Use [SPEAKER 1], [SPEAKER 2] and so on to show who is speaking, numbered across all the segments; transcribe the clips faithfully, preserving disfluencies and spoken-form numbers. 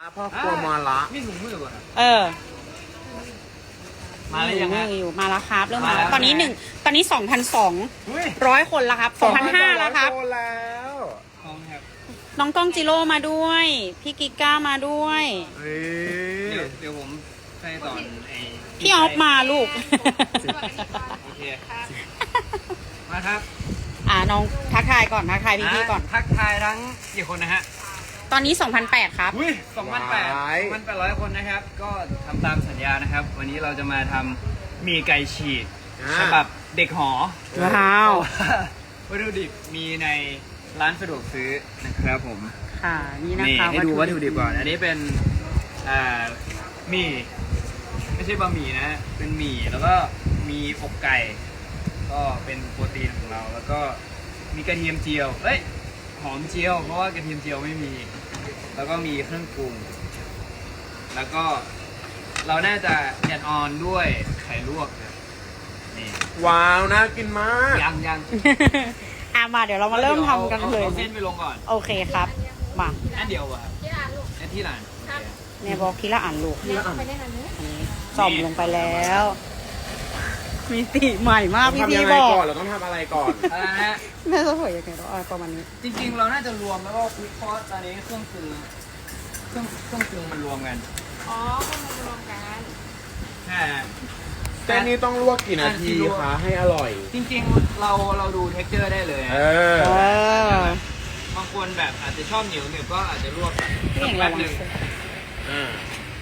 [SPEAKER 1] พ่อครัวมาละ
[SPEAKER 2] มีถุงมือป่ะ
[SPEAKER 3] เออ
[SPEAKER 2] มาแล้วยังไง
[SPEAKER 3] อยู่มาแล้วครับเริ่มมา
[SPEAKER 2] มาแล้
[SPEAKER 3] แล้ว วตอนนี้หนึ่งตอนนี้สองพันสอง
[SPEAKER 2] อุ้ย
[SPEAKER 3] ร้อยคนแล้วครับสองพันห้าแล้วครับ
[SPEAKER 1] โตแล้ว
[SPEAKER 2] ของครับ
[SPEAKER 3] น้องก้องจิโร่มาด้วย พี่กิก้ามาด้วย
[SPEAKER 1] เฮ้ย
[SPEAKER 2] เดี๋ยวเดี๋ยวผมใส่ตอนไอ้
[SPEAKER 3] พี่ออฟมาลูก
[SPEAKER 2] โอเคมาครับ
[SPEAKER 3] อ่าน้องทักทายก่อนทักทายพี่พี่ๆก่อน
[SPEAKER 2] ทักทายทั้งกี่คนนะฮะ
[SPEAKER 3] ตอนนี้สองพันแปดครับ
[SPEAKER 2] อุ้ยสองพันแปดสองพันแปดร้อยคนนะครับ ก็ทำตามสัญญานะครับ วันนี้เราจะมาทำหมีไก่ฉีกฉบับเด็กหอ
[SPEAKER 3] ว้าว
[SPEAKER 2] วัตถุดิบมีในร้านสะดวกซื้อนะครับผม
[SPEAKER 3] ค่ะนี่นะ
[SPEAKER 2] นี่
[SPEAKER 3] คะ
[SPEAKER 2] ให้ดูวัตถุดิบก่อน อันนี้เป็นอ่าหมี่ไม่ใช่บะหมี่นะ เป็นหมี่แล้วก็มีอกไก่ ก็เป็นโปรตีนของเรา แล้วก็มีกระเทียมเจียว เอ้ย หอมเจียว เพราะว่ากระเทียมเจียวไม่มี แล้วก็มีเครื่องปรุง แล้วก็เราน่าจะแอดออนด้วยไข่ลวกนะนี่
[SPEAKER 1] ว้าวน่ากินมาก
[SPEAKER 2] ยังยัง
[SPEAKER 3] อ่ะมาเดี๋ยวเรามาเริ่มทำกันเลย
[SPEAKER 2] อาเส้นไปลงก่อน
[SPEAKER 3] โอเคครับมา
[SPEAKER 2] อันเดียวอะครับอันที่หลาน
[SPEAKER 3] เนี่ยบอกทีละอ่านลูกอันนี้ส่อมลงไปแล้ว มีตีใหม่มาก
[SPEAKER 1] ต้อง
[SPEAKER 3] พี่
[SPEAKER 1] ทำยั
[SPEAKER 3] พี่
[SPEAKER 1] งไง
[SPEAKER 3] บอก
[SPEAKER 1] ก่อนเราต้องทำอะไรก่อน
[SPEAKER 2] อะไรนะฮะ
[SPEAKER 3] แม่จะสวยยังไงเนาะอ่ะประมาณนี้
[SPEAKER 2] จริงๆ เราน่าจะรวมแล้วก็คุกเพราะตอนนี้เครื่องปรุงเครื่องเครื่องปรุงมันรวมกัน
[SPEAKER 4] อ๋อก็มารวมกัน
[SPEAKER 2] ใช่ฮะ
[SPEAKER 1] เส้นนี้ต้องลวกกี่นาทีคะให้อร่อย
[SPEAKER 2] จริงๆ เราเราดูเท็กเจอร์ได้เลย
[SPEAKER 1] เอ
[SPEAKER 2] ฮะ
[SPEAKER 1] อ
[SPEAKER 3] เออ
[SPEAKER 2] บางคนแบบอาจจะชอบเหนียวเหนียวก็อาจจะลวก
[SPEAKER 3] พี่เอง
[SPEAKER 2] แป๊
[SPEAKER 3] ระ
[SPEAKER 2] บ
[SPEAKER 3] วัง
[SPEAKER 2] หนึ่ง
[SPEAKER 1] อ่า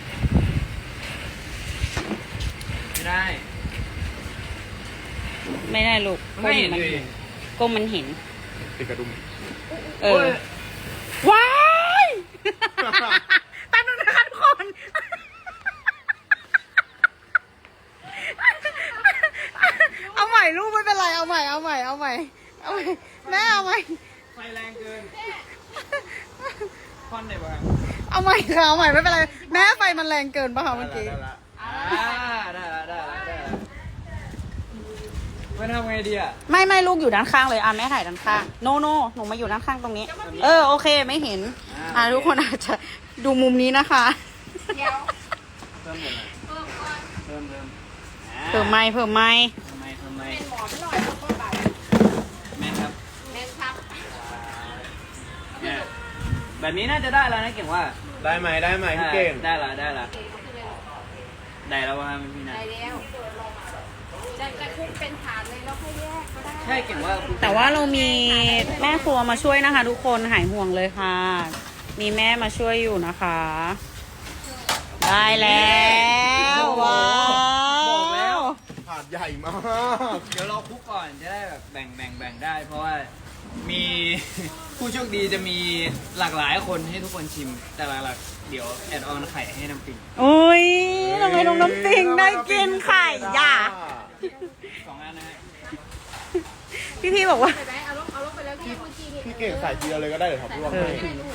[SPEAKER 2] ไม่ได้
[SPEAKER 3] ไม่ได้ลูก
[SPEAKER 2] มันไม่เห็น
[SPEAKER 3] ก้
[SPEAKER 2] เลย
[SPEAKER 3] ก้มมันเห็น
[SPEAKER 1] ติดกระดุม
[SPEAKER 3] เออ ว้ายแป๊บนึงนะคะทุกคน เอาใหม่ลูกไม่เป็นไร เอาใหม่ เอาใหม่ เอาใหม่ เอาใหม่ แม่เอาใหม่
[SPEAKER 2] ไฟแรงเกินควันไหนวะ
[SPEAKER 3] เอาใหม่ค่ะเอาใหม่ไม่เป็นไร แม่ไฟมันแรงเกินป่ะคะเมื่อกี้
[SPEAKER 1] ได้ละ
[SPEAKER 2] อ่าได้ละได้ละได้ละไม่ทำไงดีอ่ะ
[SPEAKER 3] ไม่ไม่ลูกอยู่ด้านข้างเลย อ่ะแม่ถ่ายด้านข้าง โนโนหนูมาอยู่ด้านข้างตรงนี้ เออโอเคไม่เห็น อ่ะทุกคนอาจจะดูมุมนี้นะคะ
[SPEAKER 4] เดี๋ยว
[SPEAKER 2] เพิ่มหมดเลย
[SPEAKER 4] เพิ่มก่อน
[SPEAKER 2] เพิ่มเพิ่มอ่า
[SPEAKER 3] เพิ่มไม้เพิ่มไม้
[SPEAKER 2] ทำไมทำไม
[SPEAKER 4] เป็นหมอนหน่อยแล้วก็ใบ
[SPEAKER 2] แม่นครับ
[SPEAKER 4] แม่ครับ
[SPEAKER 2] เนี่ยแบบนี้น่าจะได้แล้วนะเก่งว่า
[SPEAKER 1] ได้ไหมได้ไหมพี่เก่ง
[SPEAKER 2] ได้ละได้ละได้แล้วว่าพี่นะ
[SPEAKER 4] ได้แล้วจะจะคลุกเป็นถาดเลยแล้วค่อยแยกก็ได้
[SPEAKER 2] ใช่เก่งว่า
[SPEAKER 3] แต่ว่าเรามีแม่ครัวมาช่วยนะคะ ทุกคนหายห่วงเลยค่ะ มีแม่มาช่วยอยู่นะคะ ได้แล้วว้า
[SPEAKER 2] บอกแล้ว
[SPEAKER 3] ว
[SPEAKER 1] ถาดใหญ่มาก
[SPEAKER 2] เดี๋ยวเราคลุกก่อนจะได้แบบแบ่งแบ่งแบ่งได้ เพราะว่ามี ผู้โชคดีจะมีหลากหลายคนให้ทุกคนชิม แต่หลักๆเดี๋ยวแอดออนไข่ให้น้ำปิง
[SPEAKER 3] อุ้ยทำไมน้องน้ำปิงได้กินไข่ย่า
[SPEAKER 2] สองอันนะฮะ
[SPEAKER 3] พี่พี่ๆบอกว่า
[SPEAKER 4] ไปไหมเอาลงเอาลงไปแล้วพี่เมื่อกี้นี่
[SPEAKER 1] พี่เก่งใส่ทีเดียวเลยก็ได้เดี๋ยวท็อปลวก
[SPEAKER 3] เอ
[SPEAKER 1] ให้
[SPEAKER 3] อ
[SPEAKER 4] ไม่ได้ลูก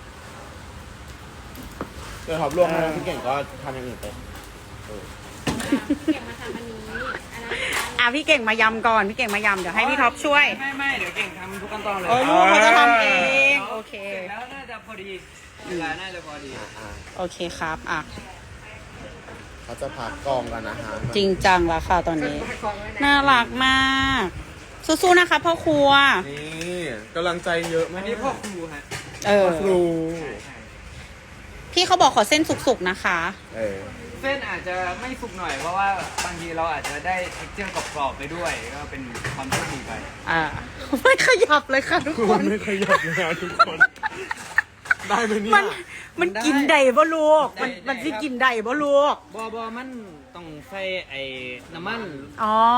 [SPEAKER 1] เดี๋ยวท็อปลวกให้พี่เก่งก็ทำอย่างอื่นไปเออ
[SPEAKER 4] เก็บมาทำอันนี้อันนั้น
[SPEAKER 3] อ่ะพี่เก่งมายำก่อนพี่เก่งมายำเดี๋ยวให้พี่ท็อปช่วย
[SPEAKER 2] ไม่ไม่เดี๋ยวเก่งทำทุกขั้นตอนเลย
[SPEAKER 3] โอ้ยลูกเขาจะทำเองโอเค
[SPEAKER 2] เสร็จแล้วน่าจะพอดีเวลาน่าจะพอดี
[SPEAKER 1] อ่ะอ่ะ
[SPEAKER 3] โอเคครับอ่ะ
[SPEAKER 1] เขาจะพักกองกันนะฮะ
[SPEAKER 3] จริงจังแล้วค่ะตอนนี้ น่ารักมากสู้ๆนะคะพ่อครัว
[SPEAKER 1] นี่กำลังใจเยอะ
[SPEAKER 2] อั
[SPEAKER 1] มาน ก
[SPEAKER 2] นี้พ่อครูฮะ
[SPEAKER 3] เออ
[SPEAKER 1] ครู
[SPEAKER 3] พี่เขาบอกขอเส้นสุกๆนะคะ
[SPEAKER 1] เออ
[SPEAKER 2] เส้นอาจจะไม่สุกหน่อยเพราะว่าบางทีเราอาจจะได้เท็กเจอร์กรอบๆไปด้วยก็เป็นความโชคดีไป
[SPEAKER 3] อ่า ไม่ขยับเลยค่ะทุก
[SPEAKER 1] คุ
[SPEAKER 3] ค
[SPEAKER 1] ณ
[SPEAKER 3] น
[SPEAKER 1] ไม่ขยับเลยนะทุกคน ได้ไหมเนี่ย
[SPEAKER 3] มันมันกินได้บ่ลูก มัน
[SPEAKER 2] ได้
[SPEAKER 3] มันสิ
[SPEAKER 2] ครับ
[SPEAKER 3] กินได้บ่ลูก
[SPEAKER 2] บอบอมันต้องใส่ไอ้น้ำมัน
[SPEAKER 3] อ๋อ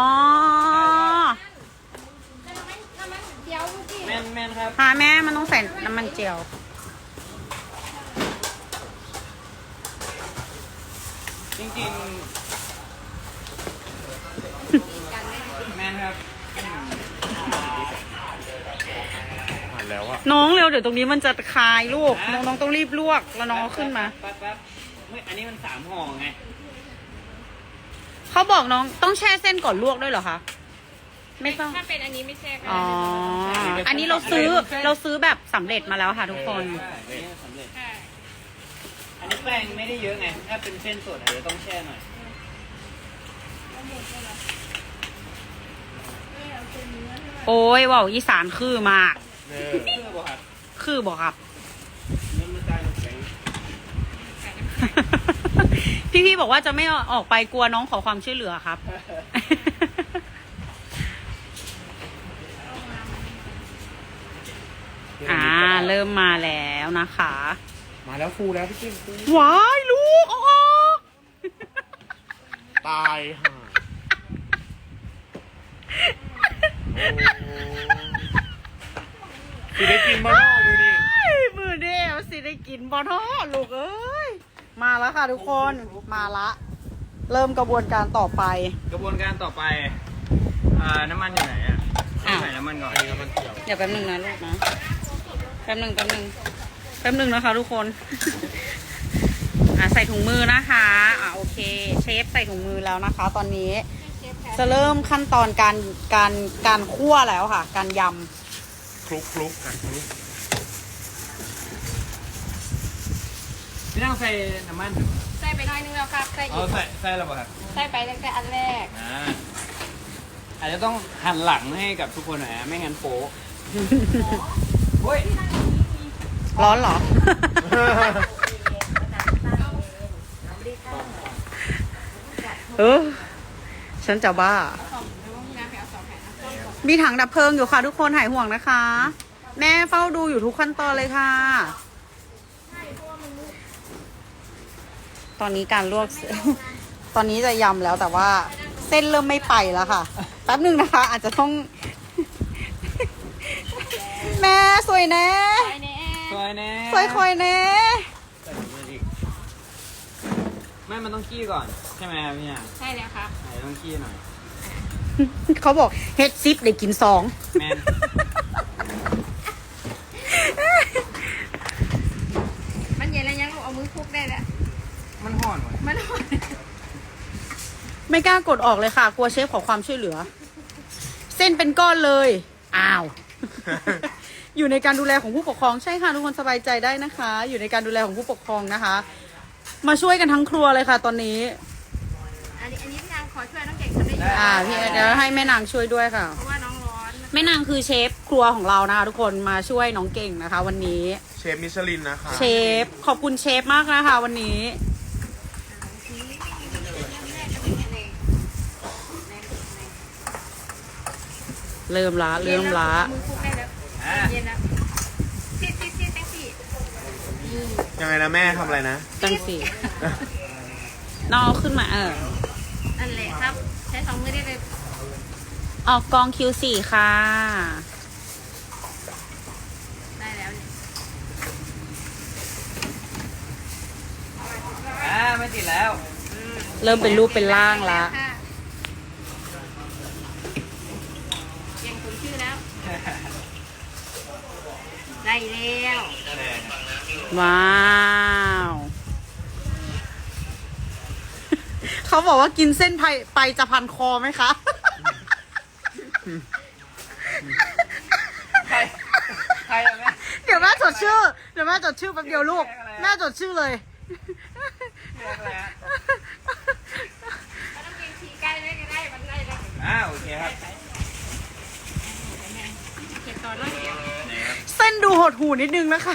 [SPEAKER 4] น้ำมันน้ำมันเดียวเมื่อกี้
[SPEAKER 2] แม่นแม่นครับ
[SPEAKER 3] พาแม่มันต้องใส่น้ำมันเจียว
[SPEAKER 2] จริงๆแม่นครับ
[SPEAKER 1] ผ่านแล้วอะ
[SPEAKER 3] น้องเร็วเดี๋ยวตรงนี้มันจะคายลูก น้องน้องต้องรีบลวกแล้วน้องเอาขึ้นมา
[SPEAKER 2] แป๊บแป๊บเฮ้ยอันนี้มันสามห่อไง
[SPEAKER 3] เขาบอกน้องต้องแช่เส้นก่อนลวกด้วยเหรอคะ ไม่ต้อง
[SPEAKER 4] ถ้าเป็นอันนี้ไม่แช่ก็
[SPEAKER 3] อ๋อ
[SPEAKER 4] ได้
[SPEAKER 3] อันนี้เราซื้อเราซื้อแบบสำเร็จมาแล้วค่ะทุกคน
[SPEAKER 2] ใช่อันนี้สำเร็จ
[SPEAKER 4] ค่ะ
[SPEAKER 2] นี่แป้งไม่ได้เยอะไง ถ้าเป็นเส้นสดอาจจะต้องแช่หน่อย
[SPEAKER 3] โอ้ยว่าวอีสานคือมาก
[SPEAKER 1] เออ
[SPEAKER 2] เพื่อบอกครับ
[SPEAKER 3] คือบอกครับ
[SPEAKER 1] นั่นมันได้น้ำแข็ง
[SPEAKER 3] พี่ๆบอกว่าจะไม่ออกไปกลัวน้องขอความช่วยเหลือครับ อ่า เริ่มมาแล้วนะคะ
[SPEAKER 1] มาแล้วฟูแล้วพี่เก่งฟู
[SPEAKER 3] ว้ายลูกออก
[SPEAKER 1] ตายห่าโอ้สิได้กินบ้างดูดิ
[SPEAKER 3] มือเดียวสิได้กินบอทอลูกเอ้ย มาแล้วค่ะทุกคนมาละ เริ่มกระบวนการต่อไป
[SPEAKER 2] กระบวนการต่อไปอ่าน้ำมันอยู่ไหนอ่ะต้องใส่น้ำมันก่อน
[SPEAKER 1] อันนี้มันเกี่ยว
[SPEAKER 3] เดี๋ยวแป๊บหนึ่งนะลูกนะ แป๊บหนึ่งแป๊บหนึ่งแป๊บหนึ่งนะคะทุกคน อ่ะใส่ถุงมือนะคะ อ่ะโอเค เชฟใส่ถุงมือแล้วนะคะ ตอนนี้จะเริ่มขั้นตอนการการการคั่วแล้วค่ะ การย
[SPEAKER 1] คลุกคลุกกันคลุก
[SPEAKER 2] พี่ต้องใส่น้ำมัน
[SPEAKER 4] ใส่ไปหน้อยนึงแล้วครับใส่
[SPEAKER 2] เอา
[SPEAKER 4] อีก
[SPEAKER 2] ใส่ใส่แล้วป่ะครับ
[SPEAKER 4] ใส่ไปตั้งแต่อันแรก
[SPEAKER 2] อ่าอาจจะต้องหันหลังให้กับทุกคนหน่อยนะไม่งั้นโป๊ะเฮ้ย
[SPEAKER 3] ำร้อนเหรอ เออ ฉันจะบ้า
[SPEAKER 4] สองแล้วว่าน้ำไปเอาสองแผ่นนะ
[SPEAKER 3] มีถังดับเพลิงอยู่ค่ะทุกคนหายห่วงนะคะ แม่เฝ้าดูอยู่ทุกขั้นตอนเลยค่ะ ตอนนี้การลวก ตอนนี้จะยำแล้วแต่ว่าเส้นเริ่มไม่ไปแล้วค่ะ แป๊บหนึ่งนะคะ อาจจะต้อง แม่สวยแน่
[SPEAKER 4] ไปในแอ
[SPEAKER 2] สวยแน่
[SPEAKER 3] สวยคอยแน่
[SPEAKER 1] ใส่ถุงมืออีก
[SPEAKER 2] ไม่มันต้องขี้ก่อน ใช่ไหมครับพี่อ่ะ
[SPEAKER 4] ใช่แล้วครับ
[SPEAKER 2] อาจจะต้องขี้หน่อย
[SPEAKER 3] เขาบอกเฮ็ดซิปได้กินสอง
[SPEAKER 2] แมน
[SPEAKER 4] มันเย็นแล้วยังลูกเอามือคลุกได้แล้ว
[SPEAKER 2] มันห่อนว่ะ
[SPEAKER 4] มัน
[SPEAKER 3] ไม่กล้ากดออกเลยค่ะ กลัวเชฟขอความช่วยเหลือ เส้นเป็นก้อนเลย อ้าว อยู่ในการดูแลของผู้ปกครองใช่ค่ะทุกคนสบายใจได้นะคะ อยู่ในการดูแลของผู้ปกครองนะคะ มาช่วยกันทั้งครัวเลยค่ะ ตอนนี้
[SPEAKER 4] อันนี้อันนี้พี่นางขอช่วยน้องเก่งทำได้เยอะ
[SPEAKER 3] อ่าพี่เดี๋ยวให้แม่นางช่วยด้วยค่ะ
[SPEAKER 4] เพราะว่าน้องร้อน
[SPEAKER 3] แม่นางคือเชฟครัวของเรานะคะทุกคนมาช่วยน้องเก่งนะคะ วันนี้
[SPEAKER 1] เชฟมิชลินนะคะ
[SPEAKER 3] เชฟขอบคุณเชฟมากนะคะ วันนี้ เริ่มละเริ่มละ
[SPEAKER 4] มือคลุกได้แล้ว
[SPEAKER 2] อ่า
[SPEAKER 4] เย็นแล้วซีดซีดซีดแท็กซี่
[SPEAKER 1] ยังไงนะแม่ทำอะไรนะ
[SPEAKER 3] จังสินอกขึ้นมาเออ
[SPEAKER 4] นั่นแหละครับ ใช้สองมือได้เลย
[SPEAKER 3] ออกกอง คิว โฟร์ ค่ะ
[SPEAKER 4] ได้แล้วเนี่ย
[SPEAKER 2] อ่าไม่ติดแล้ว
[SPEAKER 3] เริ่มเป็นรูปเป็นร่างละ
[SPEAKER 4] เก่งสมชื่อแล้ว ได้แล้ว
[SPEAKER 3] ว้าว เขาบอกว่ากินเส้นไปไปจะพันคอไหมคะ
[SPEAKER 2] ใคร ใครอะแม่
[SPEAKER 3] เดี๋ยวแม่จดชื่อ เดี๋ยวแม่จดชื่อแป๊บเดียวลูก แม่จดชื่อเลย
[SPEAKER 2] เรียกอะไรฮะ
[SPEAKER 4] ถ้าต้องเก่งขี่ใกล้ได้ก็ได้มันได้แล้ว
[SPEAKER 2] อ่าโอเคครับ
[SPEAKER 4] เก็บต่อด้วย
[SPEAKER 2] นี่ครับ
[SPEAKER 3] เส้นดูหดหูนิดนึงนะคะ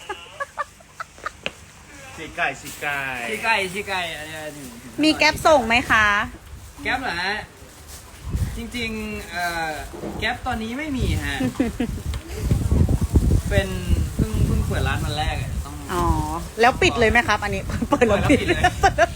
[SPEAKER 1] สีไก่สีไก่
[SPEAKER 2] ชี้ไก่ชี้ไก่อันนี้
[SPEAKER 3] มีแก๊ปส่งไหมคะ
[SPEAKER 2] แก๊ปเหรอฮะ จริงๆเอ่อแก๊ปตอนนี้ไม่มีฮะ เป็นเพิ่งเพิ่งเปิดร้านวันแรกอะต้อง
[SPEAKER 3] อ๋อ แล้วปิดเลยไหมครับ อันนี้ เปิดแล้วปิด
[SPEAKER 2] เปิดแล้วปิดเลย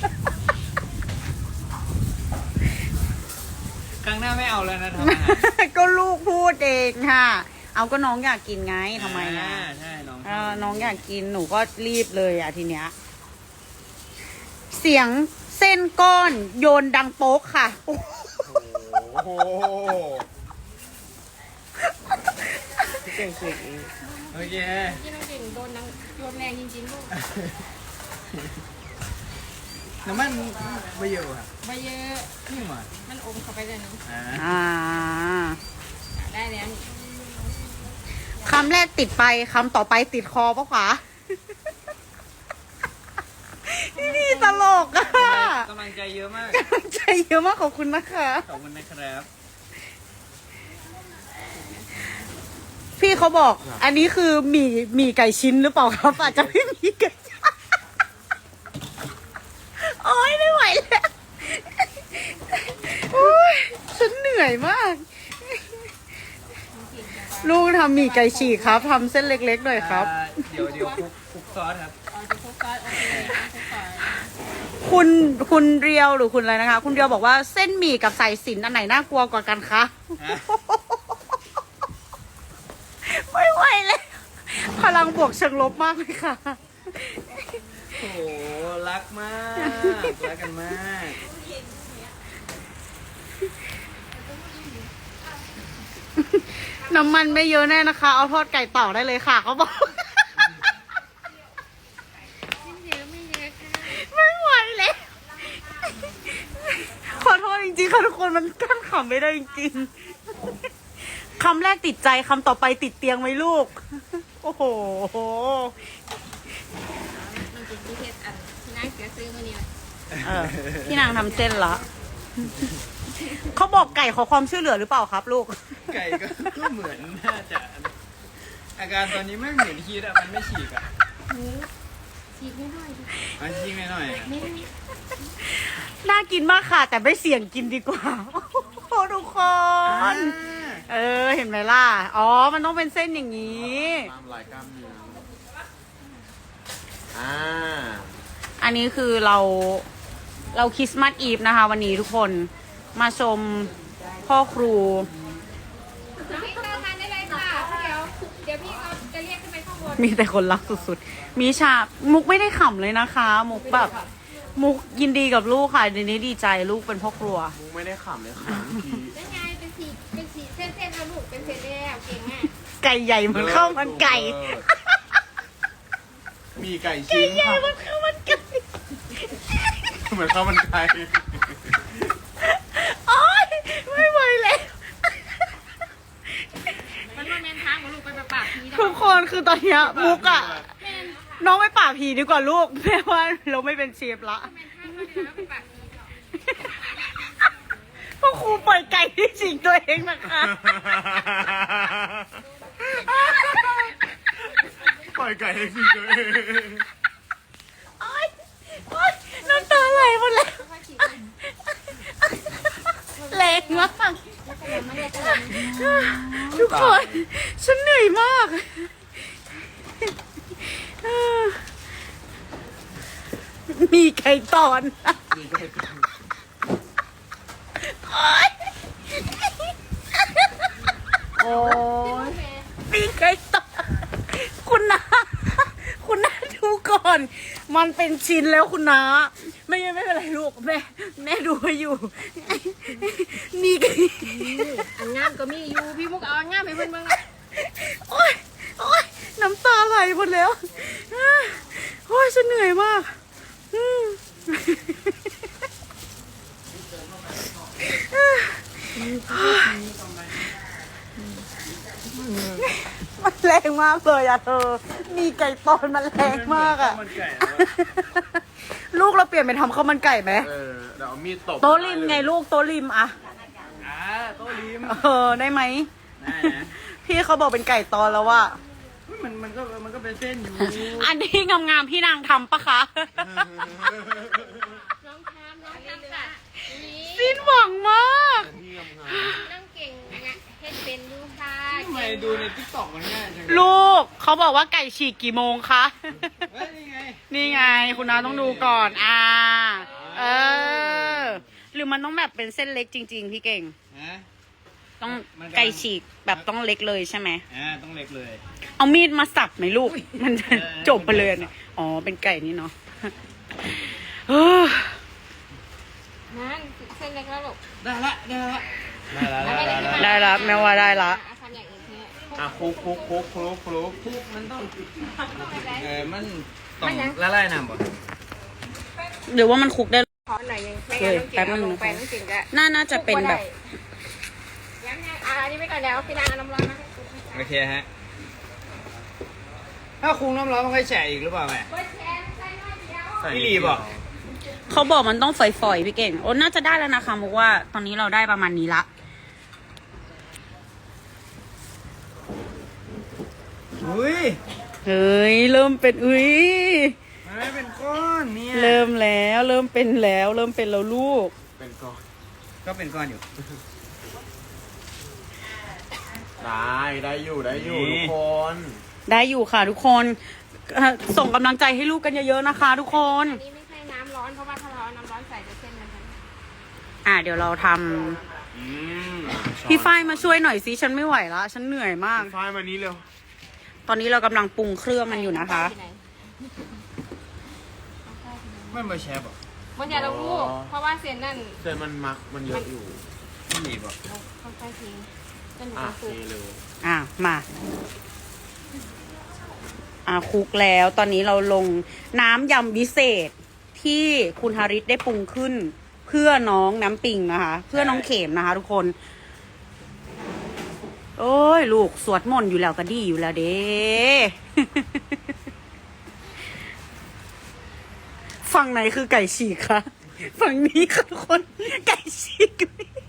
[SPEAKER 2] ครั้งหน้าไม่เอาแล้วนะทำอาหาร
[SPEAKER 3] ก็ลูกพูดเองค่ะ เอาก็น้องอยากกินไงทำไมอ่ะ
[SPEAKER 2] าใช่น้อง
[SPEAKER 3] เออน้องอยากกินหนูก็รีบเลยอ่ะทีเนี้ย เสียงเส้นก้อนโยนดังโป๊กค่ะ
[SPEAKER 1] โอ้โหพี่เก่งสิ
[SPEAKER 2] โอเค
[SPEAKER 4] ที่น้องเก่งโดนนางโยนแรงจริงๆลูก
[SPEAKER 2] น้ำมันไม่เยอะครับ
[SPEAKER 4] ไม่เยอะ
[SPEAKER 2] นี่หมา
[SPEAKER 4] มันอมเข้าไปเลยนะ
[SPEAKER 2] อ่า
[SPEAKER 3] อ่า
[SPEAKER 4] ได้แล้วนี่
[SPEAKER 3] คำแรกติดไปคำต่อไปติดคอปะขวาลกอะ
[SPEAKER 2] กำลังใจเยอะมาก
[SPEAKER 3] กำลังใจเยอะมากขอบคุณนะคะ
[SPEAKER 2] ขอบคุณนะครับ
[SPEAKER 3] พี่เขาบอก อันนี้คือหมี่หมี่ไก่ชิ้นหรือเปล่าครับอาจจะไม่มีไก่ชิ้นโอ๊ยไม่ไหวแล้วโอ๊ยฉันเหนื่อยมาก ลูกทำหมี่ไก่ฉีกครับทำเส้นเล็กๆหน่อยครับ
[SPEAKER 2] อ่าเดี๋ยวเดี๋ยวคลุกคลุกซอสครับ
[SPEAKER 4] เอาจะคลุกซอสโอเคคลุกซอส
[SPEAKER 3] คุณคุณเรียวหรือคุณอะไรนะคะ คุณเรียวบอกว่าเส้นหมี่กับสายสิญจน์อันไหนน่ากลัวกว่ากันคะ
[SPEAKER 2] ฮะ
[SPEAKER 3] ไม่ไหวเลยพลังบวกเชิงลบมากเลยค่ะ
[SPEAKER 2] โอ้โหรักมากรักกันมาก
[SPEAKER 3] น้ำมันไม่เยอะแน่นะคะ เอาทอดไก่ต่อได้เลยค่ะเขาบอก
[SPEAKER 4] ไม่เยอะไม่เยอะค่ะ
[SPEAKER 3] ไม่ไหวเลยขอโทษจริงๆค่ะทุกคนมันกั้นขำไม่ได้จริงๆคำแรกติดใจคำต่อไปติดเตียงไหมลูก โอ้โห
[SPEAKER 4] มันเป็นที่เฮ็ดอันที่น่าเสียซื้อมาเนี่ย
[SPEAKER 3] เออพี่นางทำเส้นละเขาบอกไก่ขอความช่วยเหลือหรือเปล่าครับลูก
[SPEAKER 2] ไก่ก็ก็เหมือนน่าจะ อาการตอนนี้ไม่เหมือนฮีทอะมันไม่ฉีกอะ
[SPEAKER 4] หมูฉีกไม่ได้ดิ
[SPEAKER 2] มันฉีกหน่อยๆอะ
[SPEAKER 4] ไม่
[SPEAKER 3] น่ากินมากค่ะ แต่ไม่เสี่ยงกินดีกว่า โอ้โหทุกคน เออ เห็นไหมล่ะ อ๋อ มันต้องเป็นเส้นอย่างนี้
[SPEAKER 1] ตามลายกล้ามเนื้ออ่า
[SPEAKER 3] อันนี้คือเราเราคริสต์มาสอีฟนะคะ วันนี้ทุกคนมาชมพ่อครู
[SPEAKER 4] น้องพี่เข้าทานได้เลยค่ะเดี๋ยวเดี๋ยวพี่เขาจะเรียกขึ้นไปข้างบน
[SPEAKER 3] มีแต่คนรักสุดๆ มีฉากมุกไม่ได้ขำเลยนะคะ มุกแบบ มุกยินดีกับลูกค่ะเดี๋ยวนี้ดีใจลูกเป็นพ่อครัว
[SPEAKER 1] มุกไม่ได้ขำเลยค่ะเมื่อกี้
[SPEAKER 4] แล้วไงเป็นสีเป็นสีเส้นๆแล้วลูกเป็นเส้นแล้วเก่งมาก
[SPEAKER 3] ไก่ใหญ่เหมือนข้าวมันไก่
[SPEAKER 1] มีไก่
[SPEAKER 3] ไก่
[SPEAKER 1] ชิ้น
[SPEAKER 3] ใหญ่
[SPEAKER 1] ค่ะ
[SPEAKER 3] เหมือนข้าวมันไก่
[SPEAKER 1] เหมือนข้าวมันไก่
[SPEAKER 3] โอ๊ยไม่ไหวแล้ว
[SPEAKER 4] มันมาแมนทางของลูกไปปากที
[SPEAKER 3] ทุกคนคือตอนเนี้ยมุกอะน้องไปป่าบผีดีกว่าลูกแม่ว่าเราไม่เป็นเชฟละ
[SPEAKER 4] แมนทางก็เดี๋ยวแล้วไปปากที
[SPEAKER 3] พ่อครูปล่อยไก่ที่สิงตัวเองนะคะ
[SPEAKER 1] ปล่อยไก่ให้สิตัวเอง
[SPEAKER 3] โอ๊ยโอ๊ยน้ำตาไหลหมดแล้วแรงมากทุกคนฉันเหนื่อยมากมีไก่ตอน
[SPEAKER 1] มีไก่ตอน
[SPEAKER 3] โอ๊ยโอ้ยมีไก่ตอนคุณนาคุณนาดูก่อน มันเป็นชิ้นแล้วคุณนาไม่ไม่เป็นไรลูกแม่แม่ดูให้อยู่มีไก่
[SPEAKER 4] อันงามก็มีอยู่พี่มุกเอาอันงามไปเพิ่นเบิ่ง
[SPEAKER 3] โอ๊ยโอ๊ยน้ำตาไหลหมดแล้วโอ๊ยฉันเหนื่อยมากอืมมันแรงมากเลยอะเธอ มีไก่ตอนมันแรงมากอะ
[SPEAKER 2] ข้วมันไก่แล้วอะ
[SPEAKER 3] ลูกเราเปลี่ยนเป็นทำข้าวมันไก่ไหม
[SPEAKER 1] เออเดี๋ยวเอามีดตบ
[SPEAKER 3] โต๊ะริมไงลูกโต๊ะริมอะ
[SPEAKER 2] อ่าโต๊ะริม
[SPEAKER 3] เออได้ไหม
[SPEAKER 2] ได้นะ
[SPEAKER 3] พี่เขาบอกเป็นไก่ตอนแล้วว่า
[SPEAKER 2] เฮ้ยมันมันก็มันก็เป็นเส้นอยู่
[SPEAKER 3] อันนี้งามๆพี่นางทำปะคะ
[SPEAKER 4] น้องทามน้องทามค่ะนี่
[SPEAKER 3] สิ้นหวังมาก
[SPEAKER 1] พี่งาม
[SPEAKER 4] น้องเก่งเนี่ยเฮ็ดเป็นอยู่ค่ะ
[SPEAKER 2] ทำไมดูในทิกตอกมันง่ายจังเลย
[SPEAKER 3] ลูกเขาบอกว่าไก่ฉีกกี่โมงคะ
[SPEAKER 2] เฮ้ยนี่ไง
[SPEAKER 3] นี่ไง คุณน้าต้องดูก่อน อ่า เออ หรือมันต้องแบบเป็นเส้นเล็กจริง ๆ พี่เก่ง
[SPEAKER 2] ฮะ
[SPEAKER 3] ต้อง
[SPEAKER 2] มันกำลัง
[SPEAKER 3] ไก่ฉีกแบบต้องเล็กเลยใช่ไหม
[SPEAKER 2] อ่าต้องเล็กเลย
[SPEAKER 3] เอามีดมาสับไหมลูก มันจะ
[SPEAKER 2] เออ
[SPEAKER 3] จบไปเลยเนี่ยอ๋อ เป็นไก่นี่เนาะเออ
[SPEAKER 4] นั่นเส้นเล็กแล้วลูก
[SPEAKER 2] ได้ละได้ละได้ละ
[SPEAKER 4] ได้ละ
[SPEAKER 3] ได้ละแม่ว่าได้ละ
[SPEAKER 4] อ่ะทำอย่างอื่นเนี่ย
[SPEAKER 1] ๆอ่ะคลุกคลุกคลุกคลุกคลุก
[SPEAKER 2] ทุกมันต้อง
[SPEAKER 4] อะไร
[SPEAKER 2] เออมันต้องละลายน้ำบ่
[SPEAKER 3] หรือว่ามันคลุกได้
[SPEAKER 4] ขอหน่อยนึงไม่งั้นน้องเก่งเอาลงไปน้องเก่งจะ
[SPEAKER 3] น่าน่าจะเป็นแบบ
[SPEAKER 4] ยังไงอ่ะอันนี้ไปก่อนเดี๋ยวพี่นางเอาน้ำร้อนมาให้
[SPEAKER 2] โอเคฮะถ้าคุงน้ำร้อนมันค่อยแฉะอีกหรือเปล่าแม่
[SPEAKER 4] เบิร์ดแชร์ใส่หน่อยเดียว
[SPEAKER 1] ใส่
[SPEAKER 2] พี่ลีบอก
[SPEAKER 1] เ
[SPEAKER 3] เขาบอกมันต้องฝอยๆพี่เก่งโอ้น่าจะได้แล้วนะคะมุกว่าตอนนี้เราได้ประมาณนี้ละ
[SPEAKER 2] อุ้ย
[SPEAKER 3] เฮ้ยเริ่มเป็นอุ้ย
[SPEAKER 2] มันไม่เป็นก้อนเนี่ย
[SPEAKER 3] เริ่มแล้วเริ่มเป็นแล้ว เริ่มเป็นแล้วลูก
[SPEAKER 1] เป็นก้อน
[SPEAKER 2] ก็เป็นก้อนอยู่
[SPEAKER 1] ได้ได้อยู่ได้อยู่
[SPEAKER 2] นี่
[SPEAKER 1] ทุกคน
[SPEAKER 3] ได้อยู่ค่ะทุกคนเอ่อส่งกำลังใจให้ลูกกันเยอะๆนะคะ ทุกคน
[SPEAKER 4] อันนี้ไม่ใช่น้ำร้อนเพราะว่าถ้าเราเอาน้ำร้อนใส่จะเส้นมันจะ
[SPEAKER 3] อ่ะเดี๋ยวเราทำ
[SPEAKER 2] อืม
[SPEAKER 3] พี่ฝ้ายมาช่วยหน่อยสิฉันไม่ไหวละฉันเหนื่อยมาก
[SPEAKER 1] ไฟล์มานี้เร็ว
[SPEAKER 3] ตอนนี้เรากำลังปรุงเครื่องมันอยู่นะคะ
[SPEAKER 4] ที่ไหน
[SPEAKER 2] ไม่มาแชร์บอก
[SPEAKER 4] มันจะเราลูกเพราะว่าเส้นนั่น
[SPEAKER 1] เส้นมันมักมันเยอะอยู่
[SPEAKER 2] ไม่หนีบอก
[SPEAKER 4] เราค่อยๆทิ้งจนหนู
[SPEAKER 1] อ่ะ
[SPEAKER 4] จะ
[SPEAKER 1] เท
[SPEAKER 4] สุก
[SPEAKER 1] เลย
[SPEAKER 3] อ่ะมาอ่ะคลุกแล้วตอนนี้เราลงน้ำยำวิเศษที่คุณฮาริสได้ปรุงขึ้น เพื่อน้องน้ำปิงนะคะ เพื่อน้องเข็มนะคะ ทุกคน โอ้ยลูกสวดมนต์อยู่แล้วก็ดีอยู่แล้วเด้ ฝั่งไหนคือไก่ฉีกคะฝั่งนี้ค่ะทุกคนไก่ฉีก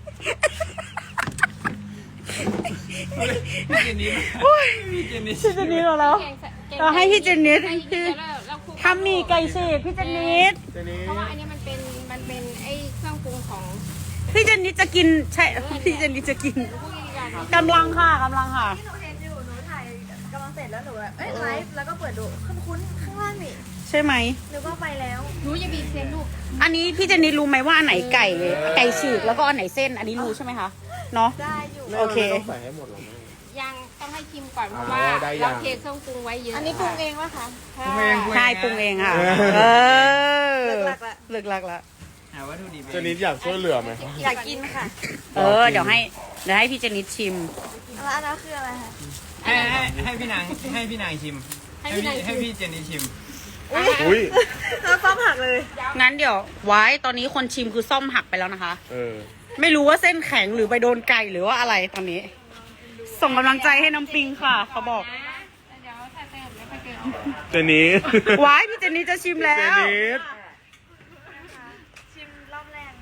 [SPEAKER 2] พี่เจนนี่พี่เจนนี่
[SPEAKER 3] พี่เจนิดเราแล้ว
[SPEAKER 4] แกงใส่แกง
[SPEAKER 3] เราให้พี่เจนิด
[SPEAKER 4] ให้พี่เจนิดแล้วเราคลุก
[SPEAKER 3] ทำหมี่ไก่ฉีกพี่เจนิด
[SPEAKER 1] เจนี้
[SPEAKER 4] เพราะว่าอันนี้มันเป็นมันเป็นไอ้เครื่องปรุงของ
[SPEAKER 3] พี่เจนิดจะกินใช่พี่เจนิดจะกิน
[SPEAKER 4] พวกนี้กัน
[SPEAKER 3] กำลังค่ะกำลังค่ะ
[SPEAKER 5] ที่หนูเห็นอยู่ หนูถ่ายกำลังเสร็จแล้วหนูแบบเอ้ยไลฟ์แล้วก็เปิดดูคุ้นๆข้างล่างนี่
[SPEAKER 3] ใช่ไหม
[SPEAKER 5] นึกว่าไปแล้ว
[SPEAKER 4] หนูจะบีบเส้นลูก
[SPEAKER 3] อันนี้พี่เจนิดรู้ไหมว่าอันไหนไก่ไก่ฉีกแล้วก็อันไหนเส้น อันนี้รู้ใช่ไหมคะเนาะ
[SPEAKER 5] ได้อยู่
[SPEAKER 3] โอเค
[SPEAKER 1] ไม่ต้องใส่ให้หมดหรอกแม่
[SPEAKER 4] ยังต้องให้ชิมก่อนเพราะ
[SPEAKER 1] อ๋อ
[SPEAKER 4] ว่า
[SPEAKER 1] ได้ยั
[SPEAKER 4] เรา
[SPEAKER 1] ง
[SPEAKER 4] เทเครื่องปรุงไว้เยอะ
[SPEAKER 5] อันนี้ปรุงเองวะคะ
[SPEAKER 2] ปรุงเอง
[SPEAKER 3] ใช่ปรุงเองค่ะ
[SPEAKER 1] เออ
[SPEAKER 3] เออ
[SPEAKER 5] เลิกลักละ
[SPEAKER 3] เลิกลักละ
[SPEAKER 2] หาวัตถุดิบ
[SPEAKER 1] เจนี้อยากช่วยเหลือไหม
[SPEAKER 5] อยากกินค่ะ
[SPEAKER 3] เออเดี๋ยวให้เดี๋ยวให้พี่เจนิดชิม
[SPEAKER 5] แล้วอันนั้นคืออะไรคะ
[SPEAKER 2] ให้ให้ให้พี่นางให้พี่นางชิม
[SPEAKER 4] ให้
[SPEAKER 2] ให้
[SPEAKER 4] พี่
[SPEAKER 2] พี่
[SPEAKER 4] นาย
[SPEAKER 2] ให้
[SPEAKER 4] ชิม
[SPEAKER 2] พี่เจนนี่ชิม
[SPEAKER 1] อุ้ย
[SPEAKER 5] แล้วซ้อมหักเลย
[SPEAKER 3] งั้นเดี๋ยวไว้ตอนนี้คนชิมคือซ่อมหักไปแล้วนะคะ
[SPEAKER 1] เออ
[SPEAKER 3] ไม่รู้ว่าเส้นแข็งหรือไปโดนไก่หรือว่าอะไรตอนนี้ ส่งกำลังใจให้น้ำปิงค่ะ เขาบอก
[SPEAKER 4] นะเดี๋ยวถ้าเติมแล้วค่อยเติม
[SPEAKER 1] เจนี้
[SPEAKER 3] ไว้พี่เจนนี่จะชิมแล้
[SPEAKER 1] เจ
[SPEAKER 3] ว
[SPEAKER 1] นี้
[SPEAKER 5] ชิมรอบแรก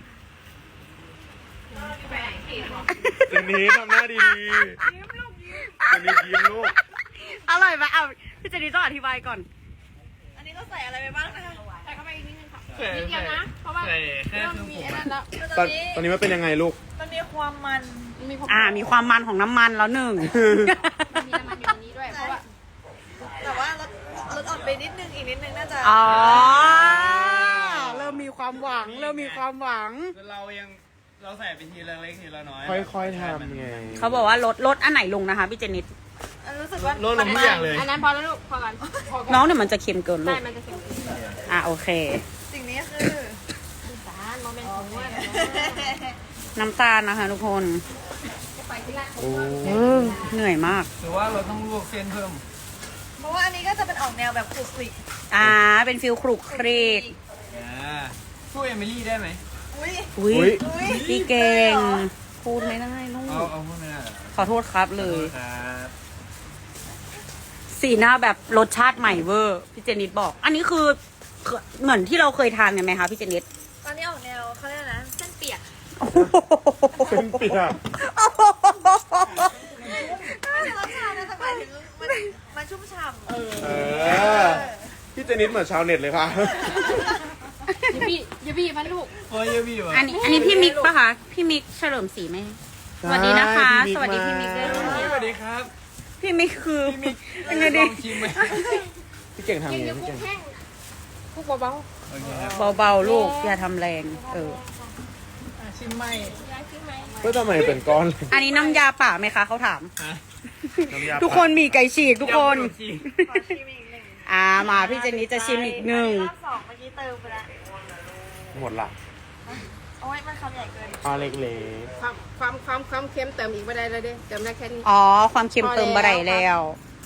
[SPEAKER 1] เจนี้ทำหน้าดีๆยิ้มลูกยิ้มเจนี้ยิ้มลูก
[SPEAKER 3] อร่อยไหมเอาพี่เจนนี่ต้องอธิบายก่อน
[SPEAKER 5] อันนี้ต้องใส่อะไรไปบ้างนะคะ
[SPEAKER 4] ใส่เข้าไปอีกนิดนึงค่ะ
[SPEAKER 2] ใส่
[SPEAKER 4] นิดเดียวนะ เพราะว่า
[SPEAKER 2] ใส่แค่
[SPEAKER 4] เริ่ม
[SPEAKER 2] เครื่อง
[SPEAKER 4] มี
[SPEAKER 2] ปรุง
[SPEAKER 4] ไอ้นั่นแล้ว
[SPEAKER 5] คือ
[SPEAKER 1] ต
[SPEAKER 5] ต
[SPEAKER 1] อ
[SPEAKER 5] อน นนี้
[SPEAKER 1] ตอนนี้มันเป็นยังไงลูก
[SPEAKER 5] มันมีความมัน
[SPEAKER 4] มันมีความ
[SPEAKER 3] อ่า มีความมันของน้ำมันแล้วหนึ่ง
[SPEAKER 4] มีน้ำมันอยู่ในนี้ด้วย เพราะว่า
[SPEAKER 5] แต่ว่าลดลดอ่อนไปนิดนึงอีกนิดนึงน่าจะ
[SPEAKER 3] อ๋อ เริ่มมีความหวัง เริ่มมีความหวัง
[SPEAKER 2] เรายังเราใส่ไปทีละเล็กทีละน้อย
[SPEAKER 1] ค่อยๆทำไง
[SPEAKER 3] เขาบอกว่าลดลดอันไหนลงนะคะพี่เจนิด
[SPEAKER 5] รู้สึกว่า
[SPEAKER 2] ลดลงทุกอย่างเลย
[SPEAKER 4] อันนั้นพอแล้วลูก พอกันพอก่
[SPEAKER 3] น้องเนี่ยมันจะเค็มเกินลู
[SPEAKER 4] ใช่
[SPEAKER 3] ก
[SPEAKER 4] มันจะเค็ม
[SPEAKER 3] อ่ะโอเค
[SPEAKER 5] สิ่งนี้คือ
[SPEAKER 4] สารโมเมนต์ของว่า
[SPEAKER 3] น้ำตาลนะคะทุกคน
[SPEAKER 4] ไปที่ร้าน
[SPEAKER 1] โอ้
[SPEAKER 3] เออเหนื่อยมาก
[SPEAKER 2] หรือว่าเราต้องลวกเส้นเพิ่ม
[SPEAKER 5] เพราะว่าอันนี้ก็จะเป็นออกแนวแบบคลุกคลิก
[SPEAKER 3] อ่า เป็นฟิลครุกครีก
[SPEAKER 2] อ่าช่วยเอมิลี่ได้ไหม
[SPEAKER 5] อุ้ย
[SPEAKER 3] อุ้
[SPEAKER 1] อุ้
[SPEAKER 3] ย
[SPEAKER 1] ย
[SPEAKER 5] อุ้ย
[SPEAKER 3] พี่เก่ง พูดไม่ได้ลูก
[SPEAKER 2] เอาเอาพวกนั้นเหรอ
[SPEAKER 3] ขอโทษครับเลย
[SPEAKER 2] ครับ
[SPEAKER 3] สีหน้าแบบรสชาติใหม่เวอร์ พี่เจนิดบอก อันนี้คือเหมือนที่เราเคยทานกันไหมคะพี่เจนิด
[SPEAKER 5] ตอนนี้ออกแนวเขาเรียกอะไรนะเส้นเปียก
[SPEAKER 1] เป็นเปียก
[SPEAKER 5] ไม่ใช่รสชาตินะแต่หมายถึงมันมันชุ่มฉ่ำ
[SPEAKER 1] เออ พี่เจนิดเหมือนชาวเน็ตเลยค่ะ
[SPEAKER 4] อย่าบี้อย่าบี้มันลูก
[SPEAKER 2] โอ้ยเยอะพี่วะ
[SPEAKER 3] อันนี้อันนี้พี่มิกปะคะ พี่มิกเฉลิมศรีไหม สวัสดีนะคะ
[SPEAKER 1] พี่มิก
[SPEAKER 3] สวัสดีพี่มิกด้วย
[SPEAKER 1] มา
[SPEAKER 2] สวัสดีครับ
[SPEAKER 3] พี่มิกคือ
[SPEAKER 2] พี่มิก
[SPEAKER 3] ยังไง
[SPEAKER 2] ล
[SPEAKER 3] ดี
[SPEAKER 2] องชิมไหม
[SPEAKER 1] พี่เก่งทำ
[SPEAKER 4] ยั
[SPEAKER 1] ยังงไง
[SPEAKER 4] ยัง
[SPEAKER 1] พี่
[SPEAKER 4] คุ
[SPEAKER 1] เก่
[SPEAKER 4] ก
[SPEAKER 1] ง
[SPEAKER 4] แห้งคุกเบา
[SPEAKER 2] โอเคครับ
[SPEAKER 3] เบาๆลูก อย่าทำแรง เออ
[SPEAKER 2] อ่ะชิมไหม
[SPEAKER 4] ๆย้ายขึ้นไหม
[SPEAKER 1] ก็ทำไมเป็นก้อนเลย
[SPEAKER 3] อันนี้น้ำยาป่าไหมคะเขาถาม
[SPEAKER 2] ฮะ
[SPEAKER 1] น้ำยา
[SPEAKER 3] ทุกคนมีไก่ฉีกทุกคน
[SPEAKER 2] ยำขมจีน
[SPEAKER 5] ขอชิมอีกหนึ่ง
[SPEAKER 3] อ่ามาพี่เจนนี่จะชิมอีกหนึ่ง
[SPEAKER 5] รอบสองเมื่อกี้เติมไปแล้ว
[SPEAKER 1] หมดละ
[SPEAKER 5] โอ้ยมันคำใหญ่เกิน
[SPEAKER 1] เอาเล็ก
[SPEAKER 4] ความความความความเค็มเติมอีกไม่ได้เลยเด้เติมได้แค่นี้
[SPEAKER 3] อ๋อ ความเค็มเติมบะไร
[SPEAKER 4] พอแล้
[SPEAKER 3] แล้ว ว